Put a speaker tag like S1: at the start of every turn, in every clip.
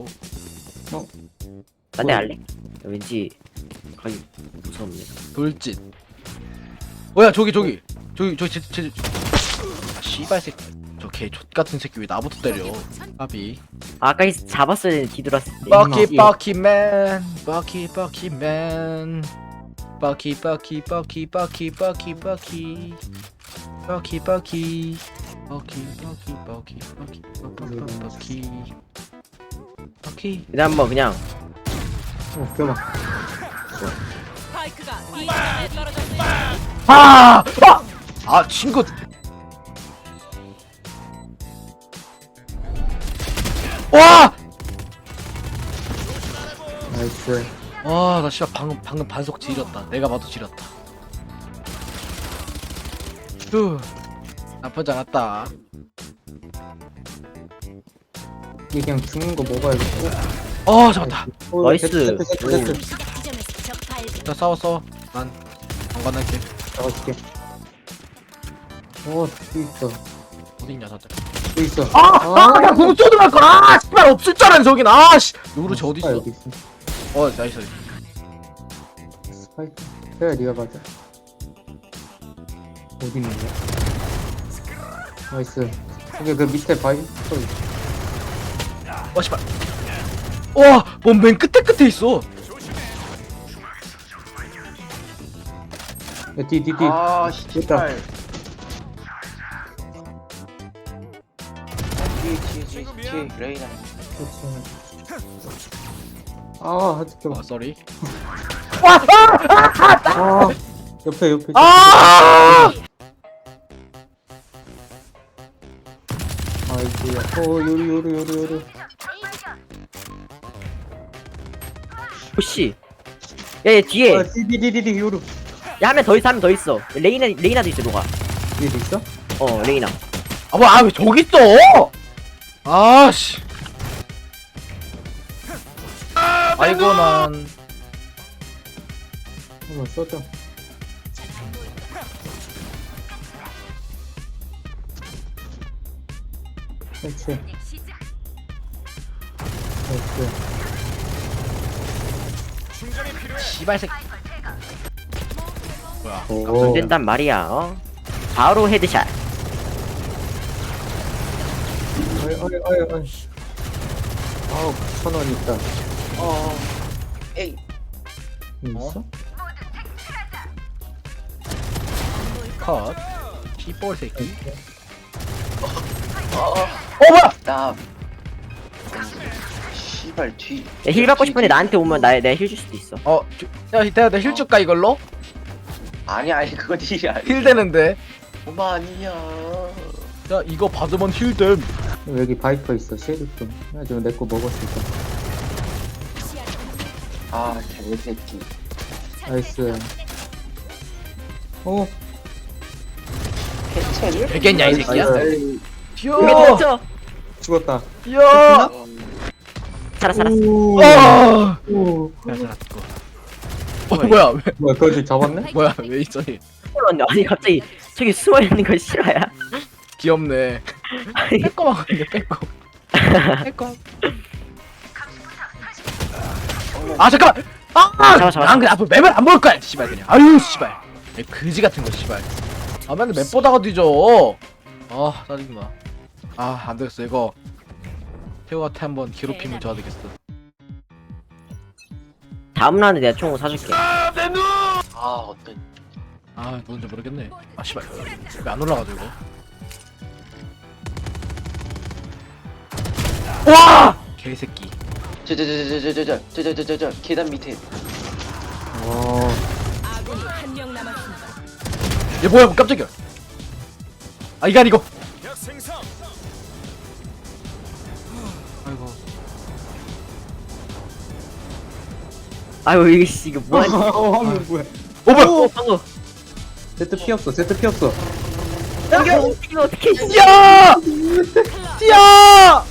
S1: 딴데 할래? 왠지 가기 무섭네.
S2: 돌진. 뭐야 저기 씨발 새끼. 저 개 족같은 새끼 왜 나부터 때려. 아비.
S1: 아까 잡았어야 되는데 뒤돌았을 때.
S2: 버키맨 버키맨 버키.
S1: 근데 한번 그냥
S3: 껴봐.
S4: 스파이크가 B 지점에 떨어졌습니다.
S2: 아 친구. 와!
S3: 나이스.
S2: 와, 나 씨발 방금 반속 지렸다. 내가 봐도 지렸다. 휴. 나쁘지 않았다.
S3: 이게 그냥 죽는 거 먹어야겠다.
S2: 잡았다.
S1: 나이스.
S3: 세트.
S4: 시작 지점에서 적 발견.
S2: 자, 싸워. 난 방관할게.
S3: 잡아줄게. 또 있어.
S2: 어디 있냐, 다들.
S3: 또 있어.
S2: 그냥 궁 쏘들어갈 걸. 씨발 없을 줄 알았네, 저긴. 요그르치 어디 있어?
S3: 여기 있어.
S2: 나이스.
S3: 스파이크. 그래, 네가 맞아. 어디 있는 거야? 나이스. 여기 그 밑에 바위 또 있어.
S2: 씨발. 와, 뭔 맨 끝에 있어.
S3: 야, 뒤.
S5: 아,
S3: 있다.
S5: 씨발. 뒤에 레이나.
S3: 그렇지. 아, 잠깐만.
S2: 쏘리.
S3: 옆에. 아이고야. 요리.
S1: 오씨. 야얘 뒤에.
S3: 디디디디 요루.
S1: 야 한 명 더 있어. 레이나도 있어 너가.
S3: 뒤에도 있어?
S1: 레이나.
S2: 왜 저기 있어? 씨. 아이고 난.
S3: 한번 써줘. 그렇지.
S2: 씨발 새끼. 뭐야?
S3: 오.
S1: 안 된단 말이야. 바로 헤드샷.
S3: 어이. 아우, 9,000원 있다.
S5: 에이.
S3: 있어?
S2: 컷. 씨볼 새끼.
S5: 나. 씨발 뒤.
S1: 힐 받고 싶은데 나한테 오면 내가 힐 줄 수도 있어.
S2: 내가 힐 줄까 이걸로?
S5: 아니 그거 딜이 아니야.
S2: 힐 되는데.
S5: 엄마 아니야.
S2: 야 이거 받으면 힐 됨.
S3: 여기 바이퍼 있어, 쉐리프. 나 지금 내 거 먹었을까.
S5: 아 개새끼.
S3: 나이스.
S5: 해체를?
S2: 되겠냐 이 새끼야?
S3: 나이스.
S1: 이게
S2: 뛰어.
S1: 됐죠?
S3: 죽었다.
S2: 뛰어.
S1: 살았어.
S3: 오.
S2: 야
S3: 오.
S2: 살았고. 뭐야 왜?
S3: 뭐야, 거기 잡았네?
S2: 뭐야 왜 있어니?
S1: 아니 갑자기 저기 숨어 있는 거 싫어야.
S2: 귀엽네.
S1: 아니
S2: 빼꼼하고 있네 빼꼼. 잠깐만.
S1: 잡아.
S2: 난 그냥 앞으로 맵을 안 볼 거야. 씨발 그냥. 아유 씨발. 그지 같은 거 씨발. 맨날 맵 보다가 뒤져. 짜증나. 안 되겠어 이거. 태호한테 한번 괴롭힘을 줘야 되겠어.
S1: 다음 라운드 내가 총 사줄게.
S5: 어떤.
S2: 누군지 모르겠네. 씨발. 왜 안 올라가죠 이거? 와! 개새끼.
S5: 저 계단 밑에.
S4: 아군이 한 명 남았습니다.
S2: 얘 뭐야 깜짝이야. 이게 아니고. 아이고.
S1: 아유 이거 뭐야?
S3: 화면 뭐야.
S2: 뭐야?
S1: 방금.
S3: 세트 피었어.
S1: 이거 어떻게?
S2: 뛰어! 뛰어!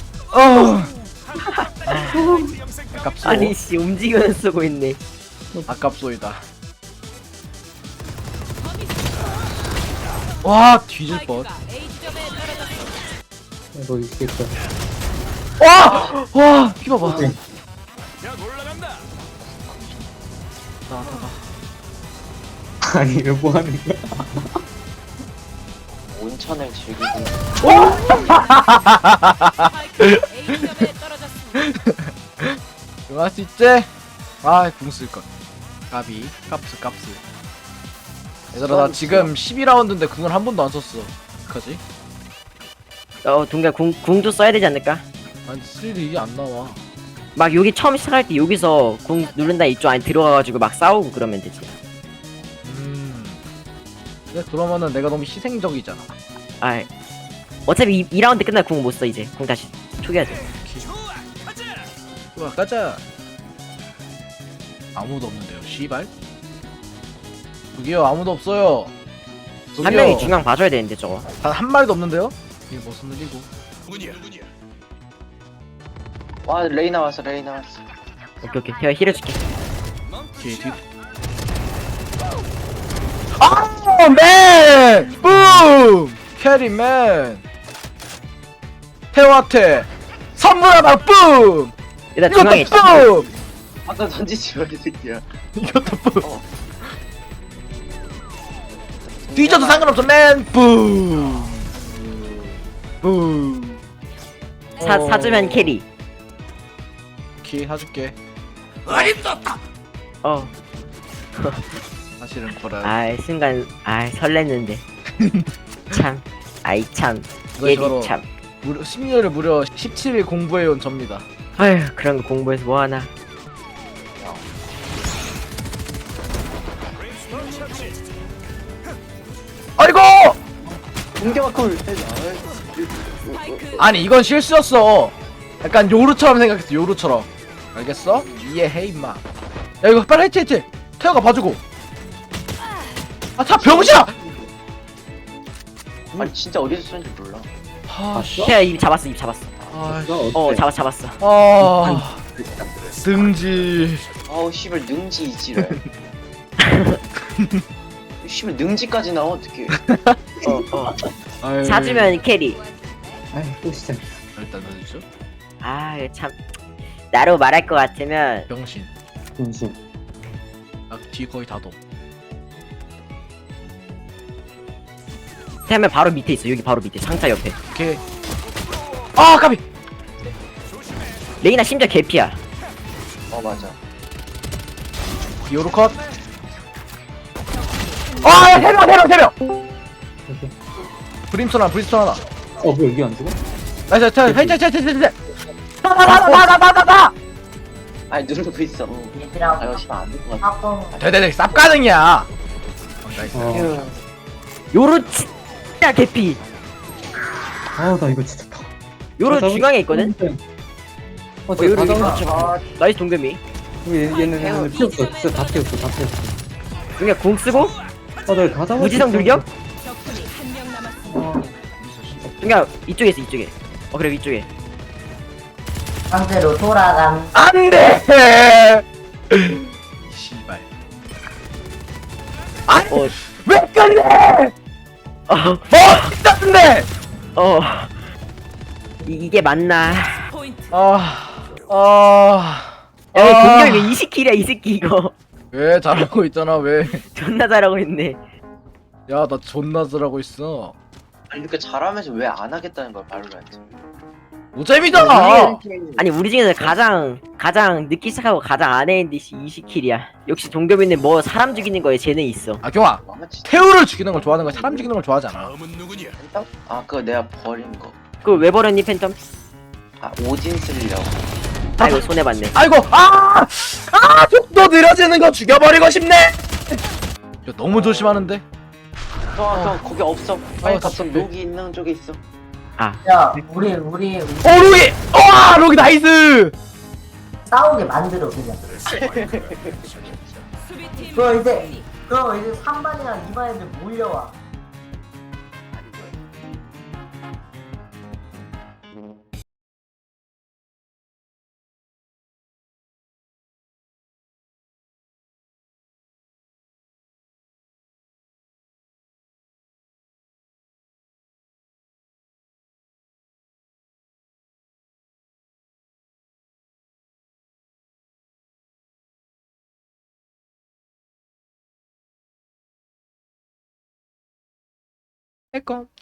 S2: 아깝소.
S1: 아니 씨 움직이면서 쓰고 있네.
S2: 아깝소이다. 와 뒤질 뻔.
S4: 스파이크가 A 지점에 떨어졌습니다.
S3: 이거 있겠다.
S2: 와 피봐봐.
S3: 네.
S2: 나.
S3: 아니 이거 뭐 하는 거야?
S5: 온천을 즐기고.
S4: 스파이크 A점에 떨어졌습니다.
S2: 이거 할 수 있지? 궁 쓸걸. 까비 깝스. 얘들아 나 지금 12라운드인데 궁을 한 번도 안 썼어. 어떡하지?
S1: 동가 궁도 써야 되지 않을까?
S2: 아니 스릴이 안 나와.
S1: 막 여기 처음 시작할 때 여기서 궁 누른다 이쪽 안에 들어가가지고 막 싸우고 그러면 되지.
S2: 근데 그러면은 내가 너무 희생적이잖아.
S1: 아 어차피 2라운드 끝나면 궁 못 써 이제. 궁 다시 초기화 돼.
S2: 좋아 가자. 아무도 없는데요 씨발. 저기요 아무도 없어요.
S1: 한 명이 중앙 봐줘야 되는데 저거.
S2: 단한 마리도 없는데요? 이게 무슨 일이고.
S5: 와 레이나 왔어.
S1: 오케이 제가 힐 해줄게.
S2: 오케이 뒤. 맨! 뿜! 캐리맨! 태화태! 선물 하나 뿜!
S1: 일단 중앙에
S2: 이것도
S1: 있다.
S2: 뿜!
S5: 아까 던지지 마 이 새끼야.
S2: 이것도 뿜! 뒤져도 상관없어 맨! 뿜! 뿜!
S1: 사주면 캐리.
S2: 오케이 사줄게.
S1: 어.
S2: 사실은 거라.
S1: 아 순간 설렜는데. 참. 아이 참.
S2: 이것이 바로
S1: 예리 참.
S2: 심리를 무려 17일 공부해온 접니다.
S1: 아휴 그런 거 공부해서 뭐 하나.
S2: 아이고!
S5: 공격을.
S4: 스파이크
S2: 아니 이건 실수였어. 약간 요루처럼 생각했어. 요루처럼. 알겠어? 이해해 임마. 야 이거 빨리 해체. 태어가 봐주고. 자 병신아.
S5: 아니 진짜 어디서 쏜지 몰라.
S1: 태야 입 잡았어. 잡았어.
S2: 능지.
S5: 아우 씨발 능지 이지랄. 씨발 능지까지 나와 어떡해.
S2: 아유.
S1: 사주면 캐리.
S3: 아이 또 시작.
S2: 일단 넣어주죠.
S1: 참. 나로 말할 것 같으면
S2: 병신.
S3: 중심.
S2: 뒤 거의 다도.
S1: 태하면 바로 밑에 있어. 여기 바로 밑에 상자 옆에.
S2: 오케이. 까비.
S1: 레이나 심지어 개피야.
S5: 맞아.
S2: 요루 컷. 세 명. 브림스톤 하나.
S3: 뭐 여기 안 죽어?
S2: 나이스. 헤이헤이헤이헤이.
S5: 아니 누르고 있어. 아 씨발 안될 것 같아.
S2: 네네네 쌉 가능이야. 나이스.
S1: 요로 진짜 개피.
S3: 나 이거 진짜 다.
S1: 요로 중앙에 있거든.
S3: 저
S1: 요로
S3: 다
S1: 여기
S3: 잡아.
S1: 맞춰. 나이스 동겸이.
S3: 얘는 피었어. 진짜 다 피었어.
S1: 그냥 궁 쓰고
S3: 내가 다 잡았어.
S1: 무지성 돌격.
S4: 적군이 한 명 남았습니다.
S1: 그냥 이쪽에 있어 이쪽에. 그래 위쪽에.
S6: 상대로 돌아간
S2: 안돼. 씨발. 왜 끝내? 같은데.
S1: 이게 맞나?
S4: 포인트
S1: 야 동겸이 왜 20킬이야 이 새끼 이거.
S2: 왜 잘하고 있잖아 왜?
S1: 존나 잘하고 있네.
S2: 야 나 존나 잘하고 있어.
S5: 아니 이렇게 잘하면서 왜 안 하겠다는 거야 발로란트.
S2: 노잼이잖아.
S1: 아니 우리 중에서 가장 늦게 시작하고 가장 안 했는데 20킬이야. 역시 동겸이는 뭐 사람 죽이는 거에 재능 있어.
S2: 경아
S5: 망치.
S2: 태우를 죽이는 걸 좋아하는 거야. 사람 죽이는 걸 좋아하지 않아.
S5: 팬텀? 아 그거 내가 버린 거.
S1: 그거 왜 버렸니 팬텀?
S5: 아 오딘 쓰려고.
S1: 아이고 손해봤네.
S2: 아이고 속도 느려지는 거 죽여버리고 싶네. 야, 너무 조심하는데.
S5: 형 거기 없어. 빨리
S2: 다
S5: 가서
S2: 준비.
S5: 녹이 있는 쪽에 있어.
S6: 야 우리
S2: 로기. 로기 나이스.
S6: 싸우게 만들어 그냥
S4: 수비팀
S6: 그거 이제 3반이랑 2반 애들 몰려와
S2: 내꺼